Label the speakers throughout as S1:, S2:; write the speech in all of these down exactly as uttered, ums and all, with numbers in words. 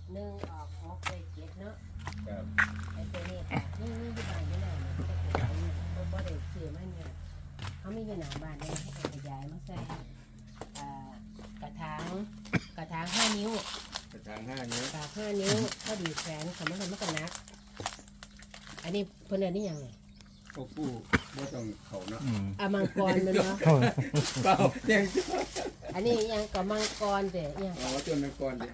S1: หนึ่งออกหกไปเจ็ดเนาะ
S2: ครับ
S1: ไอ้ตัวนี้ค่ะนี่นี่ที่บ้านไม่ได้เนี่ยไม่ได้ขยายเนี่ยเพราะบ่ได้ซื้อมาเนี่ยเขามีอยู่หน้าบ้านเนี่ยให้ขยายมาใส่อ่ากระถางกระถางห้านิ้ว
S2: กระถางห้านิ้ว
S1: กระถางห้านิ้วพอดีแขวนคำว่าทำมันก็นักอันนี้เพิ่นเรียนนี่ยังไง
S2: โอ้ผู้บ่ต้องเขาเนาะ
S1: อะมังกรมันเนาะ
S2: เปล่ายัง
S1: อันนี้ยังกับมังกรเด้ยัง
S2: อ๋อต้นมังกรดิ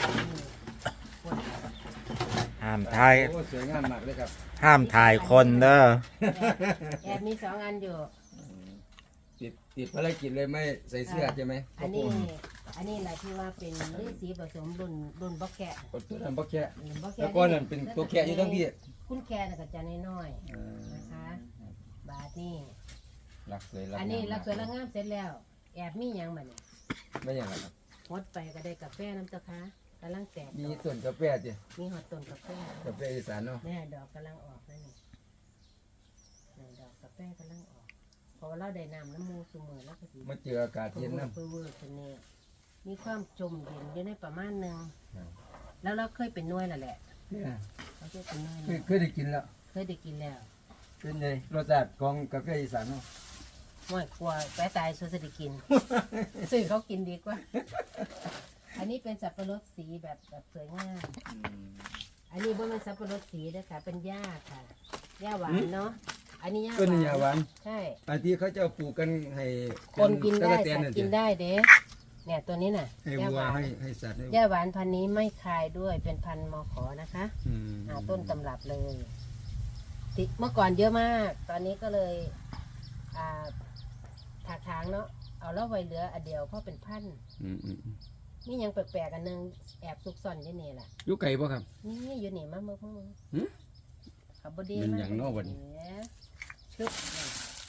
S3: ห้ามถ่าย
S2: โอ้สวยงามมากเลยครับ
S3: ห้ามถ่ายคนเด้อ
S1: แอบมีสองอันอยู่
S2: ติดติดภารกิจเลยไม่ใส่เสื้อใช่ไหม
S1: อันนี้อันนี้แหละที่ว่าเป็นฤาษีผสมรุ่นรุ่นบล็อกแกะ
S2: กดตัวนั้นบ่แค่
S1: บล็อก
S2: แล้
S1: แกะ
S2: วก็นั่นเป็นตัวแค่อยู่ทั้งพี่
S1: คุณแค่น่ะก็จะน้อย
S2: เออ
S1: ๆนะคะ บาทนี่
S2: รักสวยรัก
S1: อันนี้
S2: งาม
S1: รักสวยรักงามเสร็จแล้ว แอบมีหยังบัดนี้
S2: ไม่อย่างไรครับ
S1: หดไปก็ได้กาแฟน้ำเจ้าค่ะกำลังแตก
S2: มี
S1: ดอก
S2: ต้นกาแฟจิ
S1: มีหอดต้นกาแฟ
S2: กาแฟอีสานเนาะ
S1: แม่ดอกกำลังออกแล้วนี่นี่ดอกกาแฟกำลังออกเพราะว่าเราได้น้ำน้ำมูสูมือแล้วก็สิ
S2: มาเจออากาศ
S1: เพิ่
S2: เย็น
S1: ม
S2: น้ำ
S1: เพิ่มเวอร์คนนี้มีความจมเย็นอยู่ในประมาณหนึ่ง
S2: ครับ
S1: แล้วเราเคยเป็นหน้วยแล้วแหละ
S2: เนี่ย
S1: เราเคยเป็นหน้วย
S2: เคย
S1: แล้ว
S2: เคยได้กินแล้ว
S1: เคยได้กินแล้ว
S2: เป็นไงรสชาติของกาแฟอีสานเนาะ
S1: ม่วยกลัวแปะตายส่วนจะได้กิน ซื้อเขากินดีกว่า อันนี้เป็นสับปะรดสีแบบแบบสวยงาม อันนี้บ่แมันสับปะรดสีนะคะ เป็นหญ้าค่ะหญ้าหวานเนาะ อันนี้หญ้าห
S2: ต้น
S1: วาน
S2: นี้ยาหวาน
S1: ใช่
S2: อันที่เขาจะปลูกกันให้
S1: คนกินได้
S2: ตะกะแต
S1: สัต
S2: นั่น
S1: ว์
S2: สิ
S1: กินได้เด้เนี่ยตัวนี้น่ะ
S2: ให้
S1: หญ้า
S2: วั
S1: ห
S2: ว
S1: วาน
S2: ให้ให้สัตว์ให้
S1: หญ้าหวานพันธุ์นี้ไม่คายด้วยเป็นพันธุ์มอขอนะคะ
S2: อืม
S1: หาต้นตำรับเลยติเมื่อก่อนเยอะมาก ตอนนี้ก็เลยอ่าถากถางเนาะเอาแล้วไว้เหลืออันเดียวเพราะเป็นพันธุ์
S2: อืมอืมอืม
S1: นี่ยังแปลกๆอันหนึงแอบซุกซ่อนอยู่นี่แหละ
S2: อยู่ไก่ป่ะครับ
S1: นี่อยู่นี่มาเมื่อพวกมึง
S2: หึ
S1: ขับบดี
S2: เป็น
S1: มา
S2: อย่างนอกวะนี่
S1: ชึบนี่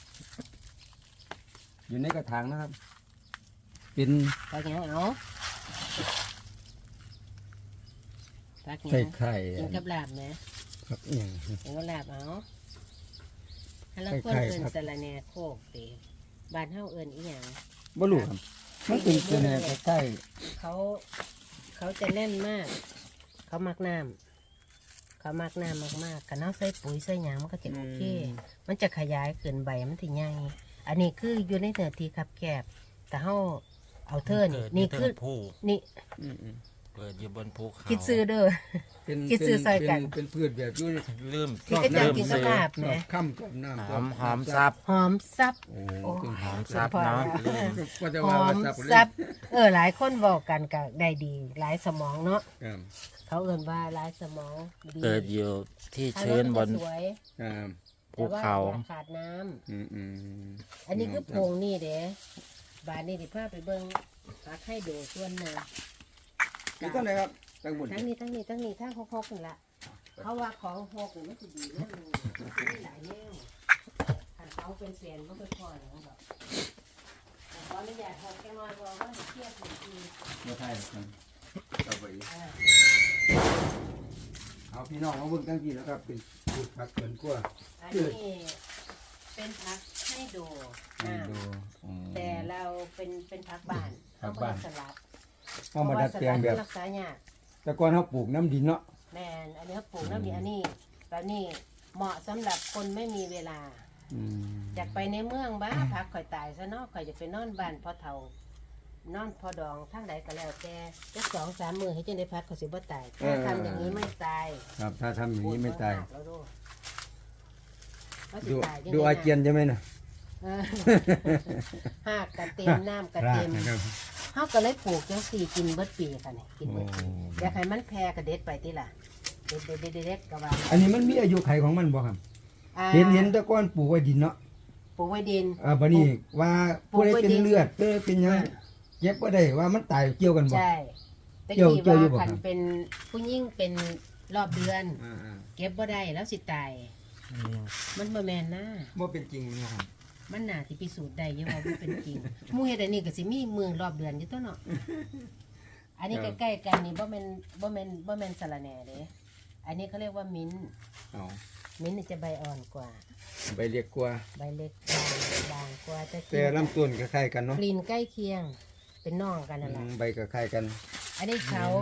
S2: อยู่ในกระถางนะครับ เป็น
S1: ตักหยังเอาตักห
S2: ไข่
S1: ยัง
S2: ไข่
S1: กินกับลาบไหม
S2: ครับอหย่าง
S1: กินกับลาบเอาฮัลโหล
S2: ไข่
S1: คน
S2: ไข่
S1: เอิน
S2: ครับ
S1: สะระแหน่โคกตีบ้านเฮาเอินอีหยัง
S2: บ่รู้ครับมันเป็นเป็นอะไรใกล้
S1: เขาเขาจะแน่นมาก เขามักน้ำเขามักน้ำมากๆกันเอาใส่ปุ๋ยใส่หยางมันก็จะโอเค มันจะขยายขึ้นใบมันถึงใหญ่อันนี้คืออยู่ในเนื้อที่คับแคบแต่เฮาเอาเธอนี่นี่คือ
S3: ผู้
S1: นี่
S2: อืมอืม
S3: เกิดอยู่บนภูเขา
S1: คิดซื้อเด้อ
S2: เป็น
S1: คิดซื้อซอยกัน
S2: เป็นเป็นพืชแบบอยู่
S3: ลืม
S1: ที่ก็จะกินกับลาบ
S2: น
S1: แหม
S2: อกค่ำกับน้ำ
S3: หอมหอมซับ
S1: หอมซับ
S2: โอ้
S1: โอ้
S2: เป็น
S3: หอมซับเนาะลืม
S2: ก็จะ
S1: ห
S2: ว่า
S1: อ
S2: ว่าม ซับเลย
S1: ซับเออหลายคนบอกกันก็ได้ดี หลายสมองเนาะ
S2: ครับ
S1: เขาเอิ้นว่าหลายสมองดี
S3: เกิดอยู่ที่
S1: ทาง
S3: ชื้นบ
S1: มัน
S3: น
S1: จะสวย
S2: ครับ
S3: ภูเขา
S1: แต่ว่อย่ขาดน้ำ
S2: อืมอืม
S1: อันนี้คือโพงนี่เด้บานนี่ดิพาไปเบิ่งพักให้ดูส่วนหนึ่ง
S2: นี่ต้นไหนครับตั้งบน
S1: ทั้งนี้ทั้งนี้ทั้งนี้ทั้งหกๆนี่ละเขาว่าของหกนี่มันจะดีนะมึงมันมีหลายแนวขันเขาเป็นเปลี่ยนมันก็พออย่างนั้นหรอกแต่ขออนุญาตหกแค่น้อยเพราะว่าเทียบหนึ่งที
S2: ไม่ใช่ครับเอาไป
S1: อ่า
S2: เอาพี่น้องมาเบิ่งตั้งทีแล้วครับเป็นพืชผักสวนครัว
S1: อันนี้เป็นพักให้ดู
S2: ให้
S1: อ่า
S2: ดูอืม
S1: แต่เราเป็นเป็นพักบ้าน
S2: พักบ้าน
S1: เอมสลัด
S2: เอามาดัดแปลงแบบ
S1: เพราะว่าสลัดมันรักษายาก
S2: แต่ก่อนเขาปลูกน้ำดินเนาะ
S1: แมนอันนี้เขาปลูกน้ำดีอันนี้แบบนี้เหมาะสำหรับคนไม่มีเวลา
S2: อืม
S1: อยากไปในเมืองบ้าพักข่อยตายซะเนาะข่อยจะไปนอนบ้านพ่อเฒ่านอนพ่อดองทั้งใดก็แล้วแต่จักสองสามมือให้จังได้พักเขาสิบ่ตายถ้าทำอย่างนี้ไม่ตาย
S2: ครับถ้าทำอย่างนี้ไม่ตาย
S1: ปวดแล้วดูเขาสิ
S2: ดู
S1: ตายจัง
S2: ดู
S1: ใ
S2: อาเจียนใช่ไหมนะ
S1: เออหากกระเต็มน้ำกระเต็ม
S2: นะครับ
S1: เขาก็เลยปลูกจังสี่กินเบิดปีค่ะนี่กินเบิดปี
S2: โอ้
S1: อยากให้มันแพร่กระเด็ดไปที่ล่ะเด็ดเด็ดเด็ดเด็ดกระวาง
S2: อันนี้มันมีอายุไขของมันบ่ครับ
S1: อ่า
S2: เห็นเห็นแต่ก่อนปลูกไว้ดินเนาะ
S1: ปลูกไว้ดิน
S2: อ่าบัดนี้ว่า
S1: ปลู
S2: ผู้
S1: ก
S2: ใด
S1: ไว้
S2: เป็น
S1: ดิน
S2: เลือดเด้อเป็นหยังเจ็บบ่ได้ว่ามันตายเกี่ยวกันบ่
S1: ใช่ตะ
S2: เกี่ยว
S1: กี้
S2: เกี่ยวอยู่บ่
S1: ว่า
S2: ครั
S1: คั
S2: บ
S1: นเป็นผู้ยิ่งเป็นรอบเดือน
S2: อ่า
S1: เก็บบ่ได้แล้วสิตาย มันบ่แม่นนะ
S2: ๆบ่เป็นจริงนะครับ
S1: มันน่าสิพิสูจน์ได้อยังว่ามันเป็นจริงหมู่เฮ็ดอันนี้ก็สิมีเมืองรอบเดือนอยู่ตัวเนาะอันนี้
S2: ครับ
S1: ใกล้ๆกันนี่บ่แม่นบ่แม่นบ่แม่นสะระแหน่เด้อันนี้เขาเรียกว่ามิ้นท์
S2: เอา
S1: มิ้นท์นี่จะใบอ่อนกว่า
S2: ใบเรียกกว่า
S1: ใบเล็กบางบางกว่าแต่ก
S2: แต่ลำต้นก็คล้ายกันเนาะ
S1: กลิ่นใกล้เคียง เป็นน้องกันนั่นแห
S2: อื
S1: ละ
S2: มใบก็คล้ายกัน
S1: อันนี้เขา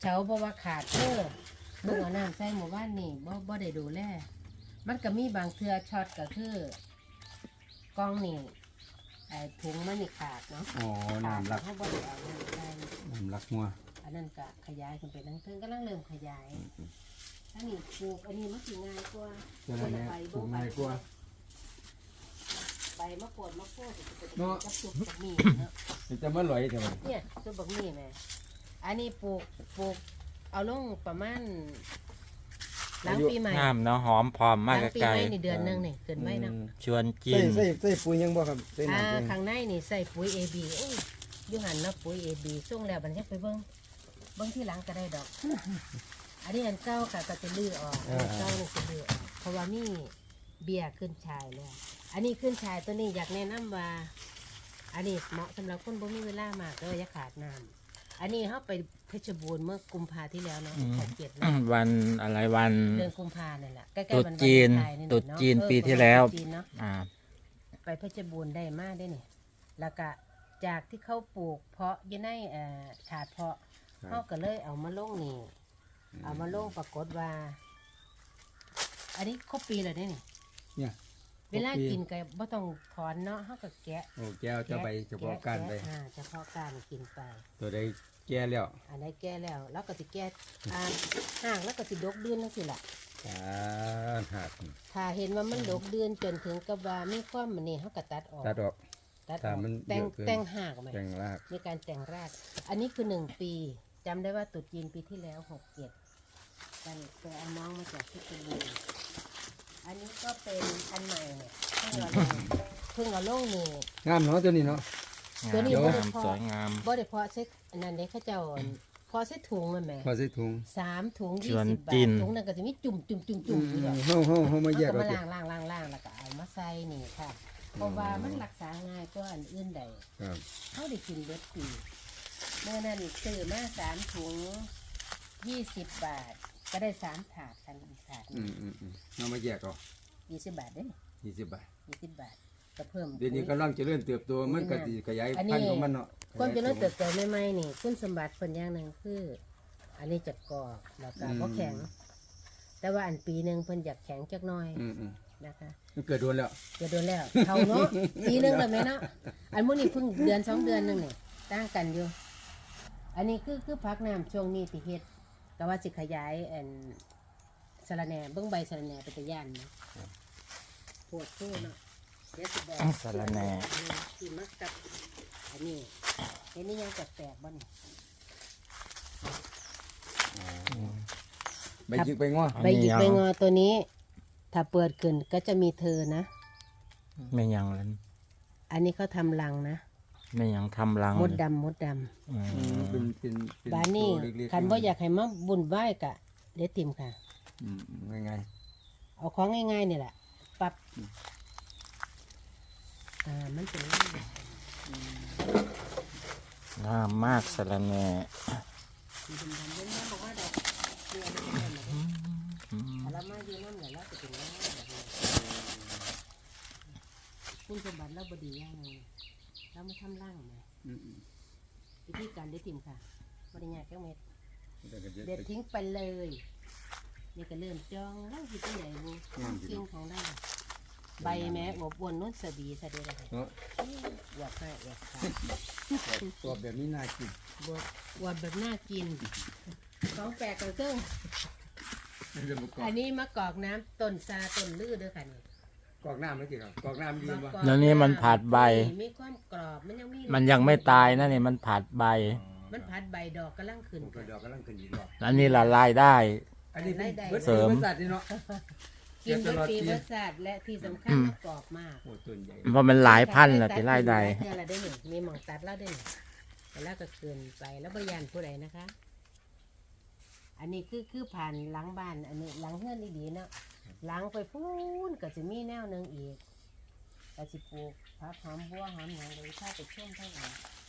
S1: เฉาเพราะว่าขาดเด้อเบิ่งเอาน้ำใส่หมู่บ้านนี่บ่บ่ได้ดูแลมันก็มีบางเทื่อช็อตก็คือกล้องนี่ไอ้ถุงมันนี่ขาดเนาะ
S2: อ๋อน้ำรัก
S1: เขาบ่ได้เอาน้ำใส่
S2: น้ำรักงัว
S1: อันนั้นก็ขยายขึ้นไปทั้งเทิงกำลังเริ่มขยายอันนี้ปลูกอันนี้มันสิง่ายกว่า
S2: เจ้าแม่ปลูกง่ายกว่า
S1: ใบมะกรูดมะโพดจะเป็น
S2: เนาะ
S1: กับซุปบักหมี่เนาะ
S2: มันจะมาลอยเท่าไหร่
S1: เนี่ยซุปบักหมี่แม่อันนี้ปลูกปลูกเอาลงประมาณหลังปีใหม่
S3: งามเนาะหอมพร้อม
S1: ห
S3: มาก
S1: ลังปี
S3: ไกล
S1: ใหม่นี่เดือนหนึงนี่เกินไว้เนาะ
S3: ชวนกิ
S2: ใส่
S3: น
S2: ใส่ใส่ปุ๋ยยังบ่ครับใส่
S1: อ่า
S2: น้ำปุ๋ย
S1: ข้างในนี่ใส่ปุ๋ย เอ บี โอ้ยอยู่หันเนาะปุ๋ย เอ บี ส่งแล้วบัดนี้ไปเบิ่งเบิ่งที่หลังก็ได้ดอก อันนี้อันเก่าค่ะก็จะลื้อออกอันเก่านี่จะลื้อออกเพราะว่ามีเบี้ยขึ้นชายแล้ว อันนี้ขึ้นชายตัวนี้อยากแนะนำว่า อันนี้เหมาะสำหรับคนบ่มีเวลามากเลยอย่าขาดน้ำอันนี้เฮาไปเพชรบูรณ์เมื่อกุมภาที่แล้วเนาะหกเจ็ดเนาะ
S3: วันอะไรวัน
S1: เดือนกุมภาเนี่ยแหละใกล้ๆ
S3: ตรุษ
S1: วัน
S3: จีน
S1: วาเลไทน์
S3: ตรุษ
S1: เาะ
S3: จีน
S1: เออ
S3: ปีที่แล้ว
S1: ตรุษจีนเนาะ
S3: อ่า
S1: ไปเพชรบูรณ์ได้มากได้เนี่ยแล้วก็จากที่เขาปลูกเพาะอยังในเอ่อถาดเพาะเขาก็เลยเอามาลงนี่เอามาลงปรากฏว่า อันนี้ครบปีแล้วเนี่ยนี่
S2: เนี่ย
S1: เวลากินก็บ่ต้องถอนเนาะเขาก็แกะ
S2: โอ้แก้วจะใบเฉพาะก้านไป
S1: แกะอ่าเฉพาะการกินไป
S2: ตัวใดแก่แล้ว
S1: อันนี้แก้แล้ว แล้วก็สิแก้อ่าห่างแล้วก็สิดกเดือนนั่นสิล่ะ
S2: อ่าหัก
S1: ถ้าเห็นว่ามันดกเดือนจนถึงกับว่ามีความมันนี่เขาก็ตัดออก
S2: ตัดออก
S1: ตัดอ
S2: ถ้า
S1: อก
S2: มัน
S1: แต่ง
S2: เยอะเกิน
S1: แต่งห่างไหม
S2: แต่งราก
S1: มีการแต่งราก อันนี้คือหนึ่งปีจำได้ว่าตรุษจีนปีที่แล้วหกเจ็ดกันแต่เอาน้องมาจากที่เป็นบูรณ์อันนี้ก็เป็นอันใหม่เนี่ยเพิ่งเอาลงเพิ่งเอาลงนี่
S2: งามเนาะตัวนี้เนาะ
S1: ตัวนี้
S3: งา
S1: บ่
S3: ม
S1: ได้พอ
S3: สวยงาม
S1: บ่ได้เพาะเซ็กอันนั้นเด็กเขาเจ้าพอเซ็ถุงมันแหม
S2: พอใส่ถุง
S1: สามถุง
S3: ช
S1: ยี่
S3: วน
S1: สิบบา
S3: กิ
S1: ท
S3: น
S1: ถุงนั้นก็จะมีจุ่มจุ่มจุ่ม
S2: อื
S1: จุ่ม
S2: ม
S1: อยู่ดอก
S2: เฮาเฮาเฮามาแยก
S1: เอา
S2: เอา
S1: มา
S2: สิ
S1: ล่างล่างล่างล่างแล้วก็เอามาใส่นี่ค่ะ เพราะว่ามันรักษาง่ายกว่าอันอื่นใด
S2: ครับ
S1: เขาได้กินเบิดปีเมื่อนั้นซื้อมาสามถุงยี่สิบบาท ก็ได้สามถาดกันอีกถาด
S2: อืมอืมอืมเอามาแยกเอา
S1: ยี่สิบบาทเด้
S2: ยี่สิบบาท
S1: ยี่สิบบาทก็เพิ่ม
S2: เดี๋ยวนี้กำลังเจริญเติบโตมันก็สิขยาย
S1: อัน
S2: พัน
S1: นี้
S2: ธุ์ของมันเนาะ
S1: ความเจริญเติบโตใหม่ๆนี่คุณสมบัติเป็นอย่างหนึ่งคือ อันนี้จะกรอบแล้วก็บ่แข็ง แต่ว่าอันปีหนึ่งเพิ่นอยากแข็งจักหน่อย
S2: อืมอืม
S1: นะคะ
S2: มันเกิดโดนแล้ว
S1: จะโดนแล้วเขาเนาะ ปีหนึงแล้วแม่เนาะอันมื้อนี้เพิ่งเดือนสองเดือนหนึงนี่ต่างกันอยู่ อันนี้คือคือพักน้ำช่วงนี้ที่เฮ็ดก็ว่าสิขยายอันสะระแหน่เบิ่งใบสะระแหน่เป็นตะย่านเนาะปวดโซ่เนาะเดี๋ยวสิบอก
S3: สะระแหน่
S1: ที่มักกับอันนี้เห็นนี่ยังแปลกๆบ่นี่
S2: ใบจิกใบง้อ
S1: ใบหยิกใบงอตัวนี้ ถ้าเปิดขึ้นก็จะมีเธอนะ
S3: ไม่ยังเลย
S1: อันนี้เขาทำรังนะ
S3: ไม่ยังทำรัง
S1: มดดำมดดำ
S3: อื
S2: อืม
S3: ม
S2: เป็นเป็นเป็น
S1: บ้านนี้
S2: ตัวเล็กๆ
S1: คันว่าอยากให้มาบุญไหว้กะเดี๋ยวติมค่ะ
S2: อืมง่าย
S1: เอาของง่ายๆนี่แหละปรับอ่ามันเป็นอย่างนี้
S3: งามมากสะระแหน่
S1: สีดำๆเล่นน้ำบอกว่าดอกเกลือมันเล่นๆนะ
S3: อืม
S1: ถ้าเรามาอยู่น้ำเนี่ยเราจะเป็นอย่างนี้แบบนี้คุณสมบัติเราบดีอย่างหนึงเราไม่ทำร่างไหม
S2: ๆอืมอืม
S1: วิธีการเด็ดติมค่ะบริญญาแก้วเม็ด
S2: แต่ก็
S1: เด็ดทิ้งไปเลยนี่ก็เริ่มจองแล้วคิดที่ไหนบูกิ้งของได้ใบแม้อวบอ้วนนุ่นสบีสะเดียเลย
S2: เนาะ
S1: อวบให้อวบค่ะ
S2: ตัวแบบนี้น่ากิน
S1: บวบอวบแบบน่ากินของแปลกกันเครื่อง
S2: เรื่องประกอบ
S1: อันนี้มะกอกน้ำต้นซาต้นลือเด้อค่ะนี่
S2: กรอกน้ำไม่กี่ครับกรอกน้ำดี
S1: มะ
S2: ป่ะ
S1: กอก
S3: แล้วนี่มันผัดใบ
S1: มีความกรอบมันยังมี
S3: มันยังไม่ตายนะนี่มันผัดใบ
S1: มันผัดใบดอกกำลังขึ้น
S2: ผมก็ดอกกำลังขึ้นอีกรอบ
S3: อันนี้ละลายได้
S2: อันนี้เป็น
S1: ได้
S2: เบิด
S3: เสริม
S2: บริษัทนี่เนาะ
S1: กิน
S2: ต
S1: เป็น
S2: ลอด
S1: ปี
S2: ปี
S1: ประสาทและที่สำคัญมะกอกมาก
S2: โอ้ต้นใหญ่
S3: เพราะมันหลายพันละที่ไล่ได้
S1: เทื่อละได้หนึ่งมีหมองตัดแล้วได้หนึ่งแต่แล้วก็คืนไปแล้วบยานผู้ใดนะคะ อันนี้คือคือผ่านหลังบ้านอันนี้หลังเฮือนดีๆเนาะหลังไปพูนก็จะมีแนวหนึ่งอีกก็สิปลูกผักหอมบัวหอมหยังเลยถ้าไปช่วงเท่าไหร่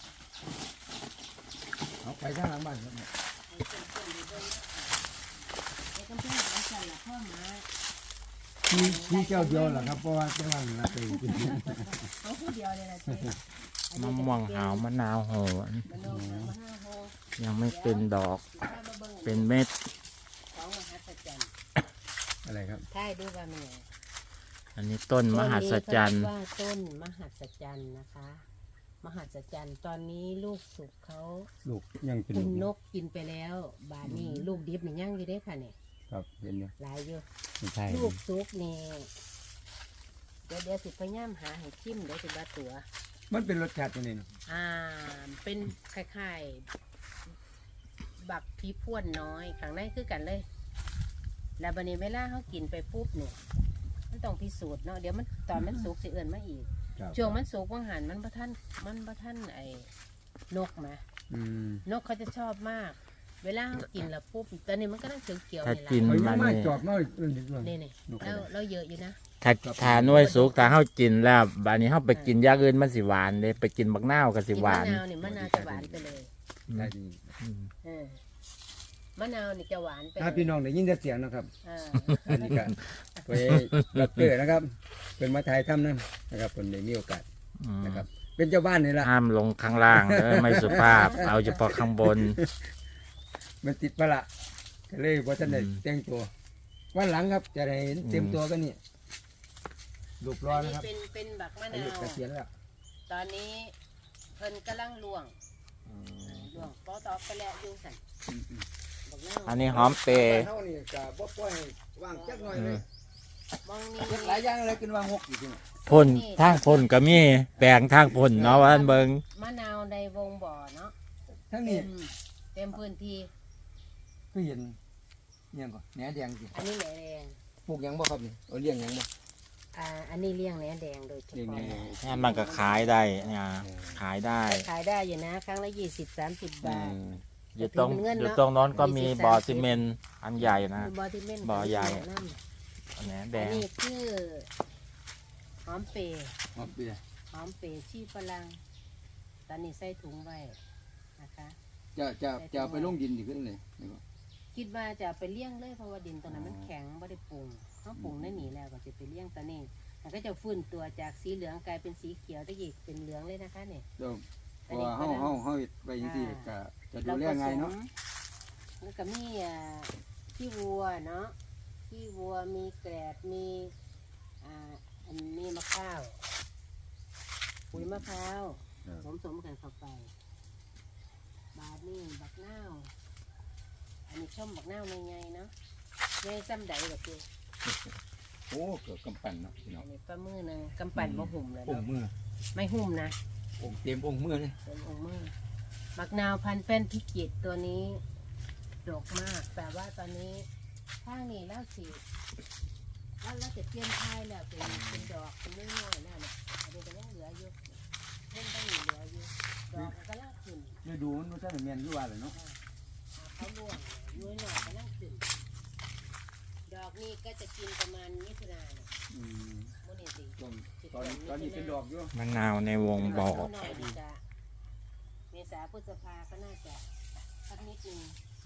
S2: เอาไปข้างหลังบ้านครับ
S1: ไอ้ต้นต้นอยู่บนไอ้กำแพงหลังสั่นละพ่อหมา
S2: ที่ที่เจ้าเดียวเหรอครับเพราะว่าเจ้าวันละไปกิน
S1: เขาผู้เดียวเลยนะเจ๊อัน
S3: มะ
S1: นี้
S3: ม่วง
S1: จะ
S3: หาวมะนาวโหน
S1: มะนาวหาวมะนาวโห
S3: ยังไม่เป็นดอก
S1: ถ้ามาเบิ่ง
S3: เป็นเม็ด
S1: ของมหัศจรรย์
S2: อะไรครับ
S1: ท้ายดูว่ามันไง
S3: อันนี้ต้นมหัศจรรย์
S1: ต้นนี้เขาเรียกว่าต้นมหัศจรรย์นะคะ มหัศจรรย์ตอนนี้ลูกสุกเขา
S2: ลูกยังเป็น
S1: คุณน
S2: ลูก
S1: กกินไปแล้ว บานนี้ลูกดิบนี่ย่างอยู่ได้อค่ะเนี่ย
S2: ครับเห็นอยู่
S1: หลายอยู่
S2: ไม่ใช่
S1: ลูกสุกนี่เดี๋ยวเดี๋ยวสิพยายามหาให้ชิมเดี๋ยวสิบาตัว
S2: มันเป็นรสชาติยังไงเนาะ
S1: อ่า เป็นคล้ายๆ บักพีพ่วนน้อยข้างในคือกันเลย แล้วบันนี้เวลาเขากินไปปุ๊บเนี่ยมันต้องพิสูจน์เนาะเดี๋ยวมันตอนมันสุกสิเอื่นมาอีก
S2: ครับ
S1: ช่วงมันสุกว่างหันมันประท่านมันประท่านไอ้นกมา
S2: อืม
S1: นกเขาจะชอบมาก เวลาเขากินแล้วปุ๊บตอนนี้มันก็ต้องเขียวๆ
S3: ถ้า
S1: นี่
S3: กิน
S1: แหละ
S2: เอา
S3: มั
S2: ยัง
S3: น
S2: ไม่
S3: นี่
S2: จอบน้อยเอื่นนิดหน่อย
S1: นี่นี่
S2: นกอะไร
S1: เราเราเยอะอยู่นะ
S3: ถ้าทาหน่วยสุกถ้าเฮากินแล้วบานนี้เฮาไปกินอย่างอื่นมันสิหวานเลยไปกินบักนาวก็สิ
S1: กิน
S3: ห
S1: มะ
S3: วาน
S1: นาวนี่มะนาวจะหวานไปเลย
S3: อืม
S2: ใช่ดี
S3: อืม
S1: เออมะนาวนี่จะหวานไป
S2: ถ้าพี่น้องได้ยินแต่เสียงนะครับ
S1: อ่า
S2: อันนี้ก็ไปรับเกิดนะครับ เป็นมาถ่ายทำนั่นนะครับคนได้มีโอกาส
S3: อืม
S2: นะครับ เป็นเจ้าบ้านนี่แหละ
S3: ห้ามลงข้างล่างเด้อไม่สุภาพ เอาเฉพาะข้างบน
S2: มันติดประละก็เลยว่าท่านได้
S3: อืม
S2: แต่งตัว วันหลังครับจะได้เห็นเต็มตัวกันนี่รูปรอ
S1: อัน
S2: นะ
S1: นี้
S2: ครับ
S1: เป็นเป็นบักมะ
S2: อายุ
S1: นาว
S2: เกษียณแล้ว
S1: ตอนนี้เพิ่นกำลังลวงลวงปอตอกไปแล้วอยู่สั่น
S2: อืมอืม
S1: บักนาว
S3: อันนี้หอมเปรย์
S2: เท่านี้ก็บ่ปล่อยให้ว่างจักหน่อยเลย
S1: มองนี่
S2: เฮ็ดหลายอย่างเลยกินว่างหกอยู่ที่นี่
S3: พ่นทางพ่นก็มีแปลงทางพ่นเนาะว่าอันเบิง
S1: มะนาวในวงบ่อเนาะ
S2: ทั้ง
S1: เต็
S2: นี้
S1: มเต็มพื้นที่
S2: ก็เห็นเนี่ยงก่อนแหนแดงสิ
S1: อันนี้แหนแดง
S2: ปลูกหยังบ่ครับนี่เอาเลี้ยงหยังบ่
S1: อ่าอันนี้เลี้ยงแหนแดงโดยเฉ
S2: เลี้ยง
S1: พาะ
S2: แหนแดง
S3: นี่มันก็ขายได้เนี่ยขายได้
S1: ขายได้อยู่นะ ครั้งละยี่สิบสามสิบบาท
S3: อยู่ตรง
S1: ถือเป็นเงินเนอะ
S3: อยู่ตรงโน้นก็มี
S1: ยี่สิบ
S3: บ่อ
S1: สามสิบ
S3: ซีเมนต์อันใหญ่นะ
S1: บอที่เม่น
S3: บ่อใหญ่
S1: นั่น
S3: อันนี้แด
S1: อัน
S3: ง
S1: นี้คือหอมเปรย์
S2: หอมเปีย
S1: หอมเปรย์ชีฝรั่งตอนนี้ใส่ถุงไว้นะคะ
S2: จะจะจะเอาไปลงดินดีขึ้นเลยนี่ก็
S1: คิดว่าจะเอาไปเลี้ยงเลยเพราะว่าดินตรงนั้นมันแข็งไม่ได้ปรุงเขาปรุงได้หนีแล้วก็จะไปเลี้ยงตอนนี้มันก็จะฟื้นตัวจากสีเหลืองกลายเป็นสีเขียวตะกี้เป็นเหลืองเลยนะคะเนี่ย
S2: เดี๋ยวเพราะว่าเฮาเฮาเฮาเฮ็ดไปจังซี่ก็จะดูแลง่ายเนาะ
S1: แล้วก็มีอ่าขี้วัวเนาะขี้วัวมีแกลบมีอ่าอันนี้มะพร้าวปุ๋ยมะพร้าวผสมกันเข้าไปบาดนี่บักนาวอันนี้ช่อมบักนาวใหญ่ๆเนาะใหญ่ซ้ำใดแบบนี้
S2: โอ้เกิดกำปั้นเนาะพี่น้อ
S1: อั
S2: ง
S1: นนี้ปลามือหนึงกำปั่นบ่หุ่มเลย
S2: อง
S1: เนาะ
S2: ค์มือ
S1: ไม่หุ่มนะ
S2: องค์เต็มองค์มือเลย
S1: เป็นองค์มือบักนาวพันธุ์เป็นพิจิตรตัวนี้ดกมาก แต่ว่าตอนนี้ข้างนี้แล้วสิแล้วเราจะเปลี่ยนท้ายแล้วเป็นเป็นดอกเป็นน้อยๆแล้วเนี่ยอันนี้ก็ยังเหลืออยู่เพิ่มต้องเหลืออยู่ดอกมันก็ลากขึ้น
S2: ฤดูมันบ่ทันได้แม่นอยู่ว่าเลยเนาะ
S1: เขาล่วงย้อยหน่อยก็ลากขึ้นดอกนี้ก็จะกินประมาณมิถุนาเนี่ย
S2: อืม
S1: โมนี่สิ
S2: ตอนตอนตอนนี้เป็นดอกอยู่
S3: มะนาวในวงบ่อ
S1: หน่อยดีจะเมษาพฤษภาก็น่าจะสักนิดนึง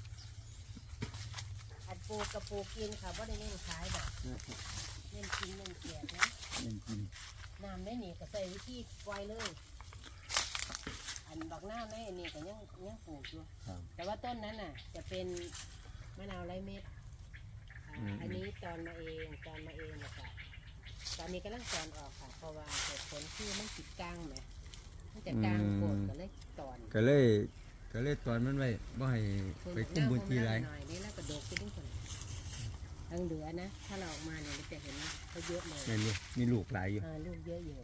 S1: อัดปูกระปูกินค่ะว่าได้เล่นขายแบบเล่นกินเล่นเกียดนะ
S2: เล่นกิน
S1: น้ำได้หนีก็ใส่วิธีปล่อยเลย อันบักหน้าได้นี่ก็ยังยังปลูกอยู่
S2: ครับ
S1: แต่ว่าต้นนั้นน่ะ จะเป็นมะนาวไร้เม็ดอ่า
S2: อืม
S1: อันนี้ตอนมาเองตอนมาเองนะคะตอนนี้กำลังตอนออกค่ะเพราะว่าเหตุผลคือมันติดกลางไหมมันจะกลางโกดก็เลยตอน
S2: ก็เลยก็เลยตอนมันไว้บ่ให้ไปคุ้มพื้นที่หลาย
S1: หน่อยนี่แล้วก็โดกไปด้วยคนทั้งเหลือนะ ถ้าเราออกมาเนี่ยเราจะเห็นนะเขาเยอะเลย
S2: แม่นอยู่มีลูกหลายอยู่
S1: อ่าลูกเยอะอยู่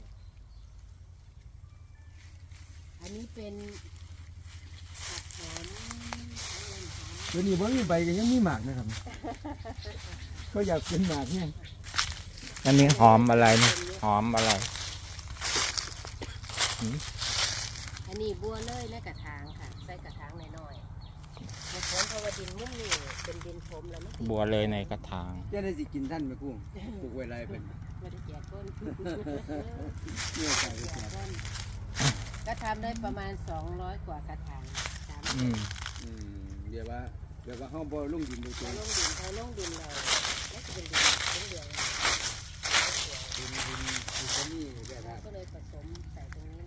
S1: อันนี้เป็นผักหอมหอม
S2: เดี๋ยวนี้บ่มีใบก็ยังมีหมากนะครับ เขาอยากเป็นหมากเนี่ย
S3: อันนี้หอมอะไรนี่หอมอะไร
S1: อันนี้บัวเลยและกระถางค่ะ ใส่กระถางน้อยๆในสวนเพราะว่าดินมุ่งนี่เป็นดินถมแล้วมัน
S3: บัวเลยในกระถาง
S2: จะได้สิกินท่านไหมกุ้งปลูกไว้ไรเป็น
S1: ไม่ได้แจกต้น
S2: เนี่ยใส่ไป
S1: แจ
S2: แจ
S1: ก
S2: ก
S1: ต้นก็ทำได้ประมาณสองร้อยกว่ากระถางสาม
S3: อืม
S2: อืมเดี๋ยวว่าเดี๋ยวว่าเฮาบ่ลงดินโดยตร
S1: เรา
S2: ง
S1: ลงดินเราลงดินเราแล้วจะเป็นดินเป็นเหลือง
S2: ดินดินดินก็มีแบบ
S1: เรา
S2: ว่า
S1: ก็เลยผสมใส่ตรงนี้เลย
S2: ดิ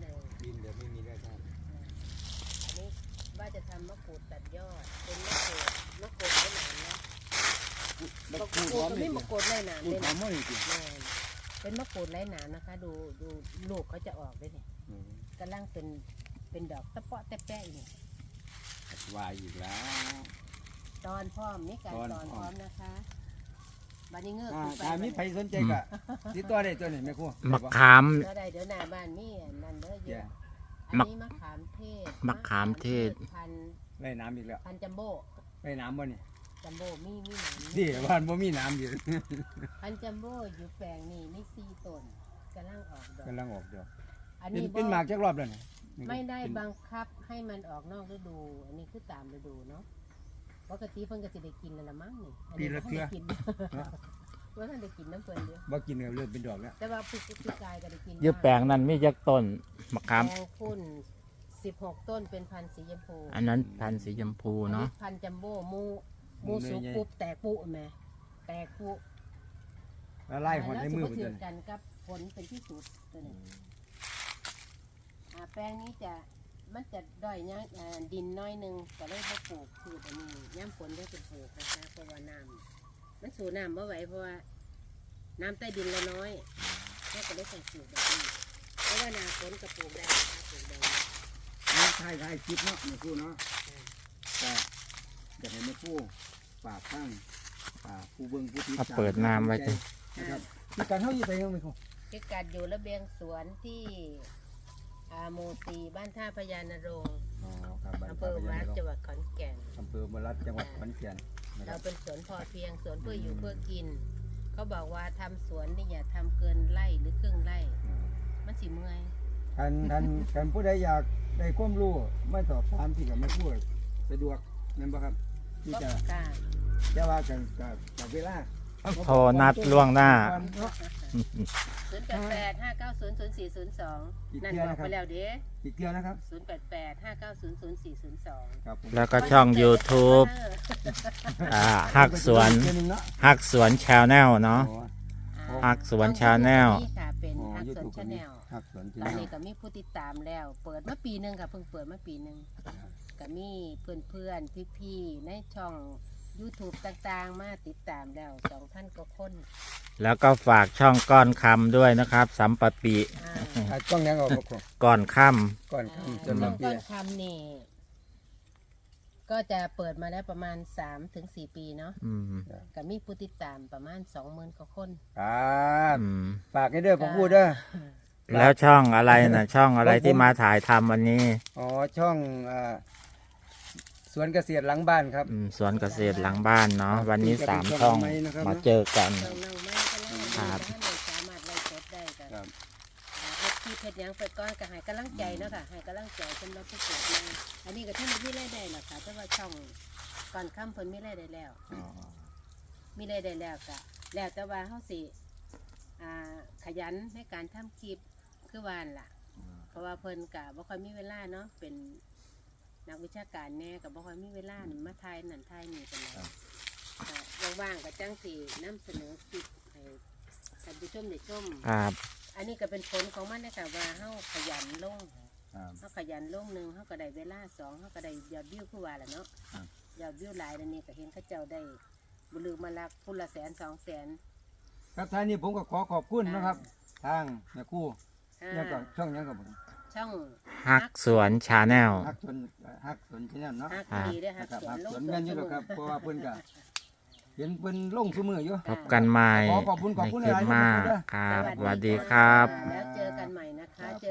S2: ดินแบบไม่มีแร่ธาตุ
S1: อันนี้ว่าจะทำมะกรูดตัดยอดเป็นมะกรูดมะกรูดไม่หนามนะมะกรูดก็ไม่มะกรูดไร้หนาม
S2: พู
S1: เล
S2: ด
S1: ย
S2: หอ
S1: นะ
S2: มมากจริง
S1: แม่นเป็นมะกรูดไร้หนามนะคะ ดูดูลูกเขาจะออกด้วยเนี่ยกำลังเป็นเป็นดอกตะเปาะตะแปะอยู่
S2: วายอีกแล้ว
S1: ตอนพร้อมนี่การ
S2: ตอน
S1: ตอน
S2: พ
S1: พ
S2: ร้อม
S1: ร้อมนะคะบันนี้เงือก
S2: อ่า
S1: ขึ้นไป
S2: ถ้ามีใครสนใจก็ติดต่อได้ตัวนี้แม่ครู
S3: มะขาม
S1: ก็ได้เดี๋ยวหน้าบ้านนี่นั่นเด้อเย
S2: แย่
S1: อะอันนี้มะขามเทศ
S3: มะขามเทศ
S1: พันธุ์
S2: ไล่น้ำอีกแล้ว
S1: พันธุ์จัมโบ้
S2: ไล่น้ำบ่นี่
S1: จัมโบ้มีมีหนาม
S2: นี่บ้านบ่มีน้ำอยู่
S1: พันธุ์จัมโบ้อยู่แปลงนี่มีสี่ต้นกำลังออกดอก
S2: กำลังออกเดียว
S1: อัน
S2: เป็น
S1: นี้
S2: เป็นห
S1: บ่
S2: มากจักรอบแล้วนี่
S1: ไม่ได้
S2: เป็น
S1: บังคับให้มันออกนอกฤดู อันนี้คือตามฤดูเนาะปกติเพิ่นก็สิได้กินแล้วละมั้งนี่อันนี้บ่ทันได้กินว่าท่านได้กินน้ำเพิ่นเดียว
S2: บ่กินก็เริ่มเป็นดอกแล้ว
S1: แต่ว่าผู้ผู้กายก็ได้กิน
S3: อยืแปลงนั้นมีจักต้นมะขาม
S1: แปลงพุ่นสิบหกต้นเป็นพันธุ์สีชมพู
S3: อันนั้นพันธุ์สีชมพู
S1: อัน
S3: เนาะ
S1: นี้พันธุ์จัมโบ้มูมูสุกปุ๊บแตกปุ๊แม่แตกปุ๊
S2: แล้วไล่หอดในมือ
S1: แล้ว
S2: พุ่น
S1: สิ
S2: ตัว
S1: บ่ถื
S2: นี้
S1: กันกับผลเป็นที่สุดตัวนี้อ่าแปลงนี้จะมันจะด้อยย่างอ่าดินน้อยหนึงก็เลยบ่ปลูกพืชอันนี้ย่ำฝนได้เป็นปลูกนะคะเพราะว่าน้ำมันสูน้ำบ่ไหวเพราะว่าน้ำใต้ดินเราน้อยเราก็เลยใส่ปลูกแบบนี้เพราะว่าหนาฝนก็ปลูกได้นะคะปลูกได้
S2: นี่ถ่ายถ่ายคลิปเนาะแม่ครูเนาะแต่อยากให้แม่ครูฝากข้างฝากผู้เบิ่งผู้ติด
S3: เอา
S2: ตาม
S3: เปิดน้ำไว้จ้ะ
S2: นะครับที่การเฮาอยู่ไปยังแม่ครู
S1: พิกัดอยู่ระเบียงสวนที่อาโมซีบ้านท่าพญานรงค์
S2: อ๋อครับบ้าน
S1: อำเภอวัดจังหวัดขอนแก่น
S2: อำเภอมรัดจังหวัดขอนแก่นนะค
S1: เรา
S2: รับ
S1: เป็นสวนพอเพียงสวนเพื่ออยู่เพื่อกิน เขาบอกว่าทำสวนนี่อย่าทำเกินไร่หรือครึ่งไร่ มันสิเมื่อย
S2: ท่านท่านท่านผู้ใดอยากได้ความรู้ไม่สอบถามที่กับแม่ครูสะดวกแม่นบ่ครับที่
S1: ก็
S2: จะ
S1: กล้า
S2: จะว่ากันกับกับเวลา
S3: โทรนัดล่วงหน้า
S1: ศูนย์แปดแปดห้าเก้าศูนย์ศูนย์สี่ศูนย์สองนั่นบอกไปแล้วเด้
S2: อีกเดียวนะครับ
S1: ศูนย์แปดแปดห้าเก้าศูนย์ศูนย์สี่ศูนย์สอง
S2: ครับผม
S3: แล้วก็ช่อง YouTube อ่าฮักสวน
S2: เดือหงเนาะ
S3: ฮักสวนชาแนลเนาะ
S2: อ๋อ
S3: ฮักสวน Channel
S1: นี่ค่ะเป็น
S2: อ๋อ
S1: ฮักสวน
S2: YouTube
S1: ชาแนล
S2: ฮักสวนชา
S1: ตอน
S2: แนล
S1: นี้ก็มีผู้ติดตามแล้ว เปิดมาปีหนึ่งค่ะเพิ่งเปิดมาปีหนึ่งก็มีเพื่อนเพื่อนพี่พี่ๆในช่อง YouTube ต่างๆ มาติดตามแล้วสองท่านก็คน
S3: แล้วก็ฝากช่องก้อนคำด้วยนะครับ สัมปปี
S1: อ่า
S2: อ่ะต้องยังออกบ่ครู
S3: ก้อนค่
S2: ก่อน
S1: อ่า
S2: คำจ
S1: ช่อน ง
S2: มา
S1: ก้
S2: เปี
S1: อย นคำนี่ก็จะเปิดมาแล้วประมาณสามถึงสี่ปีเนาะ
S3: ำอืม
S1: ก็มีผู้ติดตามประมาณสองหมื่นกว่าคน
S2: ครับ
S3: อืม
S2: ฝากให้เด้อผมพูดเด้อ
S3: แล้วช่องอะไรนะช่องอะไรที่มาถ่ายทำวันนี้
S2: อ๋อช่องอ่าสวนเกษตรหลังบ้านครับ
S3: อืมสวนเกษตรหลังบ้านเนาะวันนี้สามช่องมาเจอกัน
S1: ช่องน้องไม้ก็แล้ว
S3: ครับ
S1: ท่านเลยสามารถไล่สดได้กัน
S2: ครับ
S1: เฮ็ดที่เพชรยังไปก้อนก็ให้กำลังใจเนาะค่ะให้กำลังใจสำหรับผู้ปลูกใหม่อันนี้ก็ท่านมีรายได้หรอกค่ะแต่ว่าช่องก่อนค่ำเพิ่นมีรายได้แล้ว มีรายได้แล้วก็แล้วแต่ว่าเฮาสิอ่าขยันในการทำคลิปคือวาหั่นล่ะ เพราะว่าเพิ่นก็บ่ค่อยมีเวลาเนาะเป็นนักวิชาการแน่ก็บ่ค่อยมีเวลานี่มาถ่ายนั่นถ่ายนี่กันเลยก็ว่างๆก็จังสินำเสนอคลิปให้ท่านผู้ชมได้ชม
S3: ครับ
S1: อันนี้ก็เป็นผลของมันนะคะว่าเฮาขยันลง
S2: ครับ
S1: เฮาขยันลงหนึ่งเฮาก็ได้เวลาสองเฮาก็ได้ยอดวิวคือว่าแหละเนาะ
S2: ครับ
S1: ยอดวิวหลายนั่นนี่ก็เห็นเขาเจ้าได้บุลือมาลักพุ่นละแสนสองแสน
S2: ครับท่านนี้ผมก็ขอขอบคุณนะครับ ทางแม่ครู่
S1: อ่า
S2: เนี่ยก็ช่องยังกับผม
S1: ช่อง
S3: ฮักสวนชาแนล
S2: ฮักสวนฮักสวนชาแนลเนาะ
S1: ฮักดีเด้อฮั
S2: นะ
S1: ก
S2: ครับ
S1: สว
S2: ฮั
S1: น
S2: ก
S1: ลง
S2: สวนแม่นอยู่หรอกครับเพราะว่าเพิ่นก็เห็นเพิ่นลงซุมืออยู่
S3: พบกันใหม่
S2: ขอขอบคุณขอบ
S3: ใน
S2: คุณ
S3: คลิป
S2: หลายๆ
S3: หน้า
S2: นะครับ
S3: ครับสวัสดีครับ
S1: แล้วเจอกันใหม่นะคะเจอ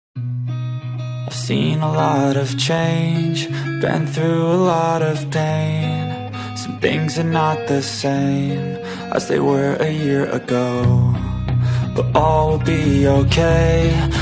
S4: I've seen a lot of change, been through a lot of pain. Some things are not the same as they were a year ago, but all will be okay.